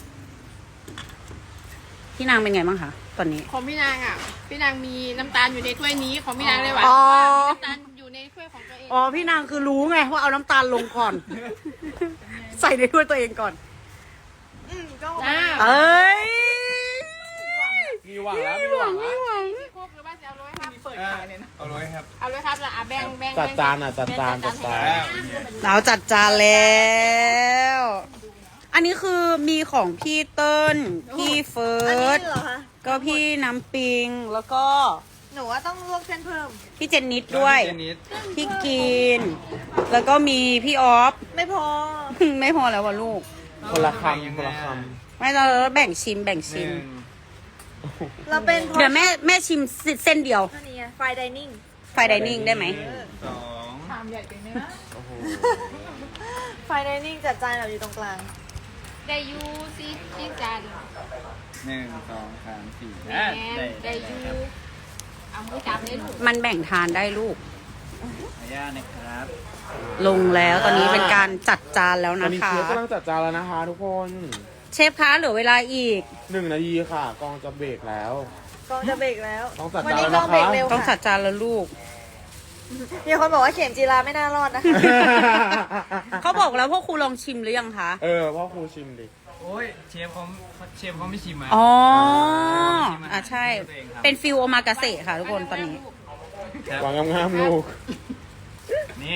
[SPEAKER 3] พี่นางเป็นไงบ้างคะตอนนี้
[SPEAKER 4] ของพี่นางอ่ะ พี่นางมีน้ำตาลอยู่ในถ้วยนี้ของพี่นางเลยหวาน
[SPEAKER 3] อ๋อ
[SPEAKER 4] มีน้ำตาลอยู่ในถ้วยของตัวเอง
[SPEAKER 3] อ๋อ พี่นางคือรู้ไงว่าเอาน้ำตาลลงก่อน ใส่ในถ้วยตัวเองก่อน
[SPEAKER 5] อืมก็
[SPEAKER 4] จ้า
[SPEAKER 3] เอ้ย
[SPEAKER 1] ๆมีหวังแล้วมีหวังแล้ว
[SPEAKER 3] หวัง
[SPEAKER 4] คุกหรือว่าจะเอาร้อยห้า
[SPEAKER 5] เปิด
[SPEAKER 2] เอาเลยครับ
[SPEAKER 4] เอาเลยครับอ่ะแบ่งแบ่ง
[SPEAKER 1] จัดจานอ่ะจัดจานจัดจาน
[SPEAKER 3] เราจัดจานแล้ว อันนี้คือมีของพี่เติ้ลพี่เฟิ
[SPEAKER 5] อันนี้
[SPEAKER 3] ร์ส
[SPEAKER 5] เหรอคะ
[SPEAKER 3] ก็พี่น้ำปิง แล้วก็
[SPEAKER 5] หนูว่าต้องลวกเส้นเพิ่ม
[SPEAKER 3] พี่เจนนิดด้วย
[SPEAKER 2] เจนิด
[SPEAKER 3] พี่กิน แล้วก็มีพี่ออฟ
[SPEAKER 5] ไม่พอ
[SPEAKER 3] ไม่พอแล้วว่ะลูก
[SPEAKER 1] คนละคำคนละค
[SPEAKER 3] ไม่เราแบ่งชิมแบ่ง
[SPEAKER 2] ห
[SPEAKER 3] ชิม
[SPEAKER 2] นึ่ง
[SPEAKER 5] เราเป็น
[SPEAKER 3] เดี๋ยวแม่แม่ชิมเส้นเดียว
[SPEAKER 5] อันนี้ไฟดิเนิ่ง
[SPEAKER 3] ไฟไดนิ่งได้ไหม
[SPEAKER 2] สอง
[SPEAKER 1] ำโอ้โห
[SPEAKER 5] ไฟดิเนิ่งจัดจานแบบอยู่ตรงกลาง
[SPEAKER 4] ได้ยูซีที่จาน
[SPEAKER 2] หนึ่งสองสามสี่
[SPEAKER 4] แหน
[SPEAKER 2] อ่ะ
[SPEAKER 4] ม
[SPEAKER 2] ได้
[SPEAKER 4] ได้ยูเอามือจับเลยลูก
[SPEAKER 3] มันแบ่งทานได้ลูก
[SPEAKER 2] ขออนุญาตนะครับ
[SPEAKER 3] ลงแล้วตอนนี้เป็นการจัดจานแล้ว
[SPEAKER 1] ตอน
[SPEAKER 3] นะ
[SPEAKER 1] นี้
[SPEAKER 3] คะ
[SPEAKER 1] เชฟกำลังจัดจานแล้วนะคะทุกคน
[SPEAKER 3] เชฟคะเหลือเวลาอีก
[SPEAKER 1] หนึ่งนาทีค่ะ กองจะเบรกแล้ว
[SPEAKER 5] กองจะเบรกแล้ว
[SPEAKER 1] ต้องจัด
[SPEAKER 5] วั
[SPEAKER 1] จาน
[SPEAKER 5] นี้
[SPEAKER 1] แล้ว
[SPEAKER 5] ก
[SPEAKER 1] นะ
[SPEAKER 5] องเบรก
[SPEAKER 1] คะ
[SPEAKER 5] เร็ว
[SPEAKER 3] ต้องจั
[SPEAKER 5] ค่ะ
[SPEAKER 3] ดจานแล้วลูก
[SPEAKER 5] มีคนบอกว่าเข็มจีราไม่น่ารอดนะคะ
[SPEAKER 3] เขาบอกแล้วพวกครูลองชิมหรือยังคะ
[SPEAKER 1] เออพ่อครูชิมดิ
[SPEAKER 2] โอ้ยเชฟเขาเชฟเขาไม่ชิมอ่ะ
[SPEAKER 3] อ๋อ
[SPEAKER 2] ชิมอาหาร
[SPEAKER 3] อ่ะใช่
[SPEAKER 2] ตัวเองครับ
[SPEAKER 3] เป็นฟิลโอมากาเสะค่ะทุกคนตอนนี้
[SPEAKER 2] ครับ
[SPEAKER 1] วางงามๆลูก
[SPEAKER 2] นี่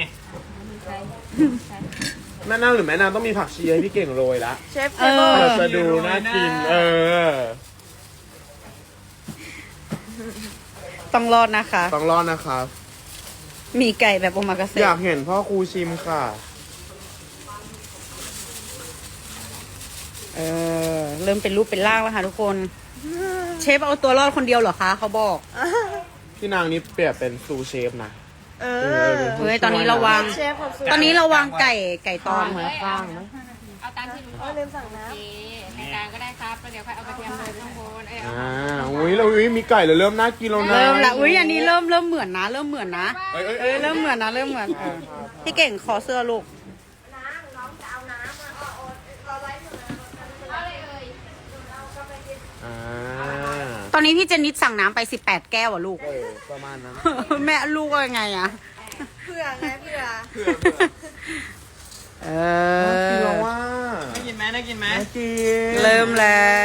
[SPEAKER 1] แม่นางหรือแม่นางต้องมีผักชีให้พี่เก่งโรยละ
[SPEAKER 5] เชฟเช
[SPEAKER 3] เอ
[SPEAKER 5] ฟ
[SPEAKER 3] อ
[SPEAKER 1] เราจะดูน่ากิน เออ
[SPEAKER 3] ต้องรอดนะคะ
[SPEAKER 1] ต้องรอดนะครับ
[SPEAKER 3] มีไก่แบบโอมากา
[SPEAKER 1] อ
[SPEAKER 3] เสะ
[SPEAKER 1] ยากเห็นพ่อครูชิมค่ะ
[SPEAKER 3] เออเริ่มเป็นรูปเป็นร่างแล้วค่ะทุกคน เชฟเอาตัวรอดคนเดียวเหรอคะเขาบอก
[SPEAKER 1] พี่นางนี่เปรียบเป็นซูเชฟนะ
[SPEAKER 5] เอ
[SPEAKER 1] เอ
[SPEAKER 5] อ
[SPEAKER 1] อ
[SPEAKER 3] เฮ้ยตอนนี้เราวาง
[SPEAKER 5] เชฟกับสู
[SPEAKER 3] ตอนนี้เราวางไก่ไก่ตอน
[SPEAKER 1] ไหมข้างไหม
[SPEAKER 4] เอาตามที่หนูบ
[SPEAKER 5] เอ
[SPEAKER 4] อ
[SPEAKER 5] อก ลืมสั่งน้
[SPEAKER 4] โอเคในกลางก็ได้ครับแล้วเดี๋ยวค่อยเอากระเทียมโรยข้างบนเอ้ยเอา
[SPEAKER 1] อ่าอุ้ยเราอุ้ยมีไก่เลยเริ่มน่ากินแล้วนะ
[SPEAKER 3] เริ่มละอุ้ยอันนี้เริ่มเริ่มเหมือนนะ เริ่มเหมือนนะ
[SPEAKER 1] เอ้ยเอ้ย
[SPEAKER 3] เอ
[SPEAKER 1] เอ้
[SPEAKER 3] อย เริ่มเหมือนนะเริ่มเหมือนเออพี่เก่งขอเสื้อลูก
[SPEAKER 4] เอาเลยเอ่ย
[SPEAKER 1] อ่า
[SPEAKER 3] ตอนนี้พี่เจนนิดสั่งน้ำไปสิบแปดแก้วอ่ะลูก
[SPEAKER 1] เออประมาณนั้น
[SPEAKER 3] แม่ลูกว่ายังไงอะ
[SPEAKER 5] ำเผื่อไงเผื่อ
[SPEAKER 2] เผื่อเผื่อ
[SPEAKER 3] เอ
[SPEAKER 1] กิน
[SPEAKER 3] อ
[SPEAKER 1] แล้วว่า
[SPEAKER 2] น่ากินไหมน่ากินไหม
[SPEAKER 1] น่ากิน
[SPEAKER 3] เริ่มแล้ว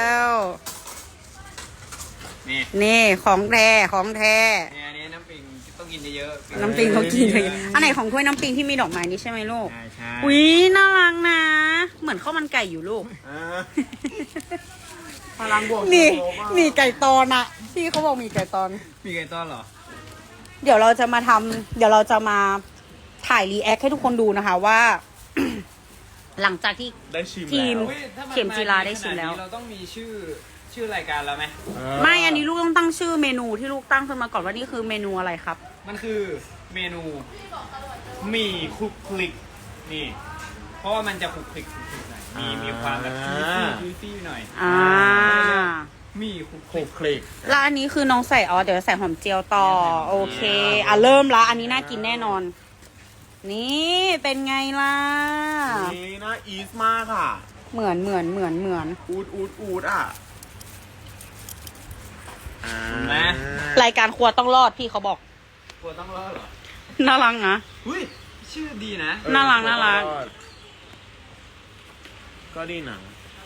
[SPEAKER 2] นี่
[SPEAKER 3] นี่ของแท้ของแท้
[SPEAKER 2] เนี่ยอันนี้น้ำปิงต้องกินเยอะๆ
[SPEAKER 3] น้ำปิงเขากินเลยอันไหนของถ้วยน้ำปิงที่มีดอกไม้นี่ใช่ไหมลูก
[SPEAKER 2] ใช่ใช่
[SPEAKER 3] อุ้ยน่ารักนะ เหมือนข้าวมันไก่อยู่ลูก
[SPEAKER 1] อ่าพลังบวก
[SPEAKER 3] นี่
[SPEAKER 1] โลบ้าง
[SPEAKER 3] มีไก่ตอนอะพี่เขาบอกมีไก่ตอน
[SPEAKER 2] มีไก่ต้อนเหรอ
[SPEAKER 3] เดี๋ยวเราจะมาทำเดี๋ยวเราจะมาถ่ายรีแอคให้ทุกคนดูนะคะว่า หลังจากที่
[SPEAKER 1] ได้ชิม
[SPEAKER 3] ทีม
[SPEAKER 1] แล้ว
[SPEAKER 2] อุ๊ยถ้น
[SPEAKER 3] เข็มจีราได้ชิมแล้ว
[SPEAKER 2] ขนานี้เราต้องมีชื่อชื่อรายการแล้วไหม
[SPEAKER 1] เ
[SPEAKER 3] ไม่อันนี้ลูกต้องตั้งชื่อเมนูที่ลูกตั้งขึ้นมาก่อนว่านี่คือเมนูอะไรครับ
[SPEAKER 2] มันคือเมนูหมี่คลุกคลิกนี่ เพราะว่ามันจะคลุกคลิกคลุกคลิกหน่อยมีมีความแบบซีซี่ซีซี่หน่อย
[SPEAKER 3] อ่า
[SPEAKER 2] หมี่คลุกค
[SPEAKER 1] โค
[SPEAKER 2] ลิก
[SPEAKER 1] คลิก
[SPEAKER 3] แล้วอันนี้คือน้องใส่อ๋อเดี๋ยวใส่หอมเจียวต่อโอเคอ่ะเริ่มละอันนี้น่ากินแน่นอน นี่เป็นไงล่ะ
[SPEAKER 1] นี่น่าอีสมากค่ะ
[SPEAKER 3] เหมือนเหมือนเหมือนเหมือน
[SPEAKER 1] อูดอูดอูดอ่ะอ่า
[SPEAKER 2] นะ
[SPEAKER 3] รายการครัวต้องรอดพี่เขาบอก
[SPEAKER 2] กลัวต้องรอดเหรอ
[SPEAKER 3] น่ารักนะ
[SPEAKER 2] หุ้ยชื่อดีนะ
[SPEAKER 1] เออ
[SPEAKER 3] น่ารักน่ารัก
[SPEAKER 1] ก็ดีนะ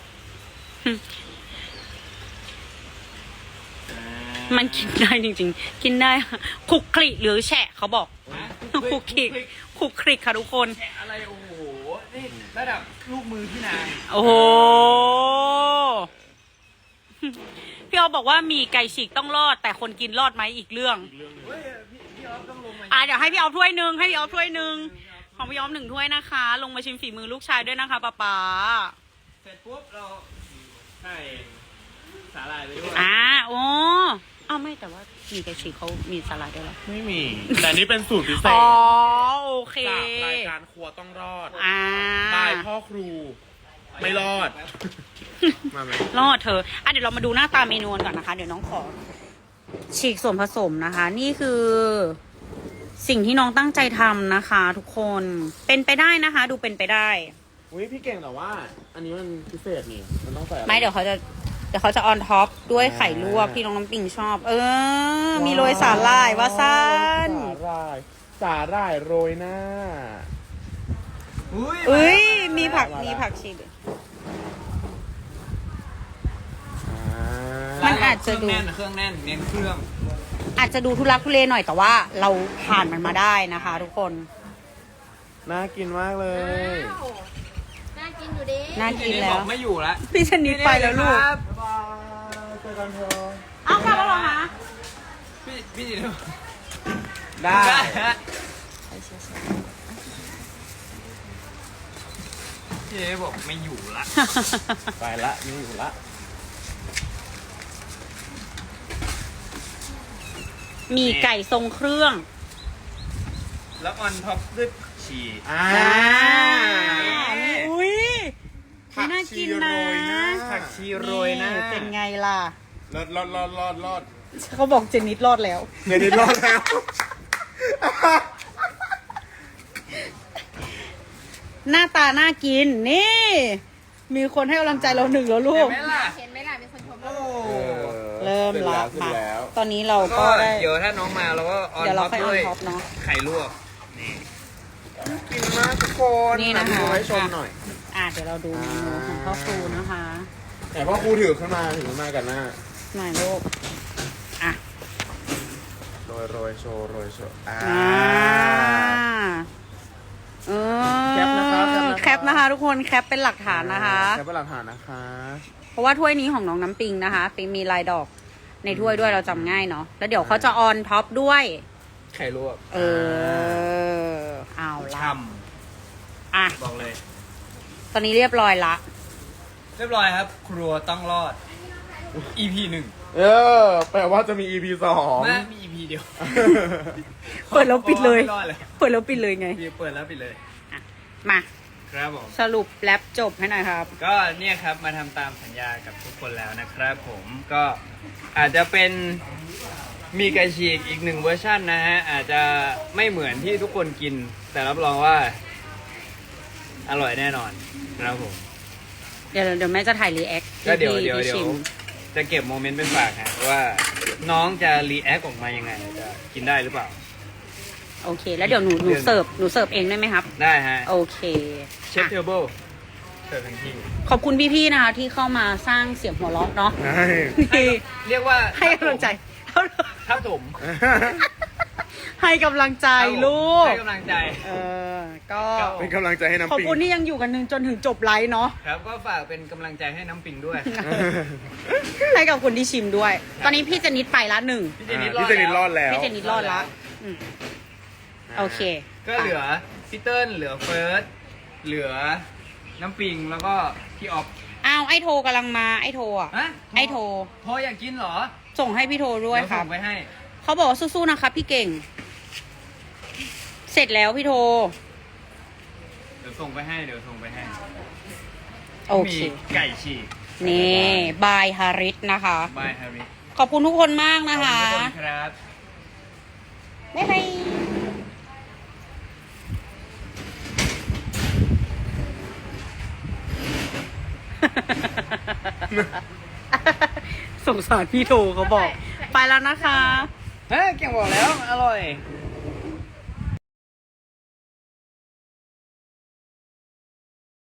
[SPEAKER 3] มันกินได้จริงๆ กินได้คลุกคลิหรือแฉะเขาบอก
[SPEAKER 2] ฮะ
[SPEAKER 3] คลุกคลิคลุกคลิค่ะทุกคน
[SPEAKER 2] อะไรโอ้โหนี่ระดับลูกมือพี่นาง
[SPEAKER 3] โอ้โห พี่ออฟบอกว่ามีไก่ฉีกต้องรอด แต่คนกินรอดไหมอีกเรื่อง
[SPEAKER 2] เฮ้ยพี่พี่ออฟต้องลงมา
[SPEAKER 3] อ่ะเดี๋ยวให้พี่ออฟถ้วยหนึ่งให้พี่ออฟถ้วยหนึ่งของพี่ออฟหนึ่งถ้วยนะคะ ลงมาชิมฝีมือลูกชายด้วยนะคะป๊าป๊า
[SPEAKER 2] เสร็จปุ๊บเราใส่สาหร่ายไปด้วย
[SPEAKER 3] อ่าโอ้อ้าวไม่แต่ว่ามีไก่ฉีกเขามีสลัดด้วยเหรอ
[SPEAKER 1] ไม่มี แต่นี่เป็นสูตรพิเศษ
[SPEAKER 3] อ๋อโอเค
[SPEAKER 1] จากรายการครัวต้องรอด
[SPEAKER 3] อ่า
[SPEAKER 1] บายพ่อครู ไม่รอด มาไหม
[SPEAKER 3] รอดเธออ่ะเดี๋ยวเรามาดูหน้าตาเมนูกันก่อนนะคะ เดี๋ยวน้องขอฉีกส่วนผสมนะคะ นี่คือสิ่งที่น้องตั้งใจทำนะคะ ทุกคนเป็นไปได้นะคะ ดูเป็นไปได้
[SPEAKER 1] อุ้ยพี่เก่งแต่ว่า อันนี้มันพิเศษนี่ มันต้องใส่อะร
[SPEAKER 3] ไม่เดี๋ยวเขาจะเดี๋ยวเขาจะออนท็อปด้วยไข่ลวกที่น้องน้ำปิงชอบ เออ มีโรยสาหร่ายวาซัน
[SPEAKER 1] สาหร่าย สาหร่ายโรยหน้า
[SPEAKER 2] อุ้ย
[SPEAKER 3] เอ้ย
[SPEAKER 2] า
[SPEAKER 3] มีผัก
[SPEAKER 1] มาแล้ว
[SPEAKER 3] มีผักชีด้วย
[SPEAKER 1] อ่า
[SPEAKER 3] มันอาจจะดู
[SPEAKER 2] เครื่องแน่นเครื่องแน่นเน้นเครื่อง
[SPEAKER 3] อาจจะดูทุลักทุเลหน่อยแต่ว่าเราผ่านมันมาได้นะคะ ทุกคน
[SPEAKER 1] น่ากินมากเลย
[SPEAKER 4] น่ากินอยู่ดี
[SPEAKER 3] น่ากินแล้ว
[SPEAKER 2] บอกไม่อยู่ละ
[SPEAKER 3] พี่ชนิดไปแล้วลูก
[SPEAKER 2] ครับ
[SPEAKER 1] เจอกันเถอะ
[SPEAKER 3] เอากลับแล้วเหรอคะ
[SPEAKER 2] พี่พี่จิน
[SPEAKER 1] ได้
[SPEAKER 2] ฮะพี่เอบอกไม่อยู่ละ
[SPEAKER 1] ไปละไม่อยู่ละ
[SPEAKER 3] มีไก่ทรงเครื่อง
[SPEAKER 2] แล้วออนท็อปด้วยชี
[SPEAKER 1] อ่า
[SPEAKER 3] นี่อุ้ยน่ากินนะ
[SPEAKER 2] ผักชีโรยหนะ
[SPEAKER 3] นี่เป็นไงล่ะ
[SPEAKER 1] รอดรอดรอดรอดรอด
[SPEAKER 3] เขาบอกเจนนิดรอดแล้ว
[SPEAKER 1] เงินนี้รอดแล้ว
[SPEAKER 3] หน้าตาน่ากิน นี่ มีคนให้กำลังใจเราหนึ่งแล้วลูก
[SPEAKER 2] เห็นไหมล่ะ
[SPEAKER 4] เห็นไหมล่ะมีคนชม
[SPEAKER 2] โอ้
[SPEAKER 3] เริ่มละ
[SPEAKER 1] ขึ้น
[SPEAKER 3] มา
[SPEAKER 1] แล้ว
[SPEAKER 3] ตอนนี้เรา
[SPEAKER 2] ก็
[SPEAKER 3] ก็ได้
[SPEAKER 2] เดี๋ยวถ้าน้องมาเราก็ออน
[SPEAKER 3] เดี๋ยวเรา
[SPEAKER 2] ท็อป
[SPEAKER 3] ค่อยออ
[SPEAKER 2] ด้วย
[SPEAKER 3] นท็อปเนาะ
[SPEAKER 2] ไข่ลวกนี่
[SPEAKER 1] กินมากทุกคน
[SPEAKER 3] นี่นะคะ
[SPEAKER 1] ดูให้ชมหน่อย
[SPEAKER 3] อ่ะเดี๋ยวเราดูเมนูของพ่อครูนะคะ
[SPEAKER 1] แต่พ่อครูถือขึ้นมาถือขึ้นมากันหน้า
[SPEAKER 3] หน่อยลูกอ่ะ
[SPEAKER 1] โรยโรยโชว์โรยโชว์อ่า
[SPEAKER 3] อ่าเออ
[SPEAKER 1] แคปนะคะแคปนะคะ
[SPEAKER 3] แคปนะคะ ทุกคนแคปเป็นหลักฐานนะคะ
[SPEAKER 1] แค่เป็นหลักฐานนะคะ
[SPEAKER 3] เพราะว่าถ้วยนี้ของน้องน้ำปิงนะคะปิงมีลายดอกในถ้วยด้วยเราจำง่ายเนาะแล้วเดี๋ยวเขาจะออนท็อปด้วย
[SPEAKER 2] ไข่ลวก
[SPEAKER 3] เออเอาละ
[SPEAKER 2] ช่
[SPEAKER 3] อ่ะ
[SPEAKER 2] ำบอกเลย
[SPEAKER 3] ตอนนี้เรียบร้อยละ
[SPEAKER 2] เรียบร้อยครับ ครัวต้องรอด อี พี หนึ่ง
[SPEAKER 1] เออ แปลว่าจะมี อี พี สอง
[SPEAKER 2] แม่มี อี พี เดียว
[SPEAKER 3] เปิดแล้วปิดเลย
[SPEAKER 2] ไม่รอดเลย
[SPEAKER 3] เปิดแล้วปิดเลยไง
[SPEAKER 2] พี่เปิดแล้วปิดเลย
[SPEAKER 3] มา
[SPEAKER 2] ครับผม
[SPEAKER 3] สรุปแรปจบให้หน่อยครับ
[SPEAKER 2] ก็เนี่ยครับมาทำตามสัญญากับทุกคนแล้วนะครับผมก็อาจจะเป็นมีไก่ฉีกอีกหนึ่งเวอร์ชันนะฮะ อาจจะไม่เหมือนที่ทุกคนกิน แต่รับรองว่า อร่อยแน่นอนนะครับผม
[SPEAKER 3] เดี๋ยวเดี๋ยวแม่จะถ่ายรีแอค
[SPEAKER 2] ก็เดี๋ยวเดี๋ยว
[SPEAKER 3] ที่
[SPEAKER 2] เดี๋ย
[SPEAKER 3] ชิ
[SPEAKER 2] ว
[SPEAKER 3] ม
[SPEAKER 2] จะเก็บโมเมนต์เป็นฝากฮะว่าน้องจะรีแอคออกมายังไงจะกินได้หรือเปล่า
[SPEAKER 3] โอเค แล้วเดี๋ยวหนูหนูเสิร์ฟหนูเสิร์ฟเองได้ไหมครับ
[SPEAKER 2] ได้ฮะ
[SPEAKER 3] โอเค
[SPEAKER 2] เชฟเทเบิลเสิร์ฟทันที
[SPEAKER 3] ขอบคุณพี่ๆนะคะที่เข้ามาสร้างเสียงหัวเราะเนาะ
[SPEAKER 1] ใช่
[SPEAKER 3] ที่
[SPEAKER 2] เรียกว่า
[SPEAKER 3] ให้กำลังใจ
[SPEAKER 2] ครับผม
[SPEAKER 3] ให้กำลังใจลูก
[SPEAKER 2] ให้กำลังใจ
[SPEAKER 3] เออ ก็
[SPEAKER 1] เป็นกำลังใจให้น้ำ
[SPEAKER 3] ขอบ
[SPEAKER 1] ปิง
[SPEAKER 3] คุณที่ยังอยู่กันนึงจนถึงจบไลฟ์เนาะ
[SPEAKER 2] ครับก็ฝากเป็นกำลังใจให้น้ำปิงด้วย
[SPEAKER 3] ให้กับคนที่ชิมด้วย ตอนนี้พี่เจนิดไปละหนึ่ง
[SPEAKER 2] พี่เจนิด
[SPEAKER 1] พี่เจนิดรอดแล้ว
[SPEAKER 3] พี่เจนิดรอดละอืมโอเค
[SPEAKER 2] ก็เหลือพี่เติ้ลเหลือเฟิร์สเหลือน้ำปิงแล้วก็พี่ออฟ
[SPEAKER 3] อ้าวไอโทรกำลังมาไอโทรอ่ะ
[SPEAKER 2] ฮะ
[SPEAKER 3] ไอโทร
[SPEAKER 2] โทรอยากกินเหรอ
[SPEAKER 3] ส่งให้พี่โทรด้วย
[SPEAKER 2] เดี๋
[SPEAKER 3] ครับ
[SPEAKER 2] ส่งไปให้
[SPEAKER 3] เขาบอกว่าสู้ๆนะครับพี่เก่ง เสร็จแล้วพี่โทร
[SPEAKER 2] เดี๋ยวส่งไปให้เดี๋ยวส่งไปให้
[SPEAKER 3] โอเค
[SPEAKER 2] มีไก่ฉีก
[SPEAKER 3] นี่บายฮาริสนะคะ
[SPEAKER 2] บายฮาริ
[SPEAKER 3] ขอบคุณทุกคนมาก
[SPEAKER 2] ขอบ
[SPEAKER 3] นะ
[SPEAKER 2] คุณ
[SPEAKER 3] คะ
[SPEAKER 2] ทุกคนครับ
[SPEAKER 3] บ๊ายบาย สงสารพี่โทเขาบอก ไปแล้วนะคะ
[SPEAKER 2] เฮ้ยเก่งบอกแล้ว อร่อย
[SPEAKER 3] อ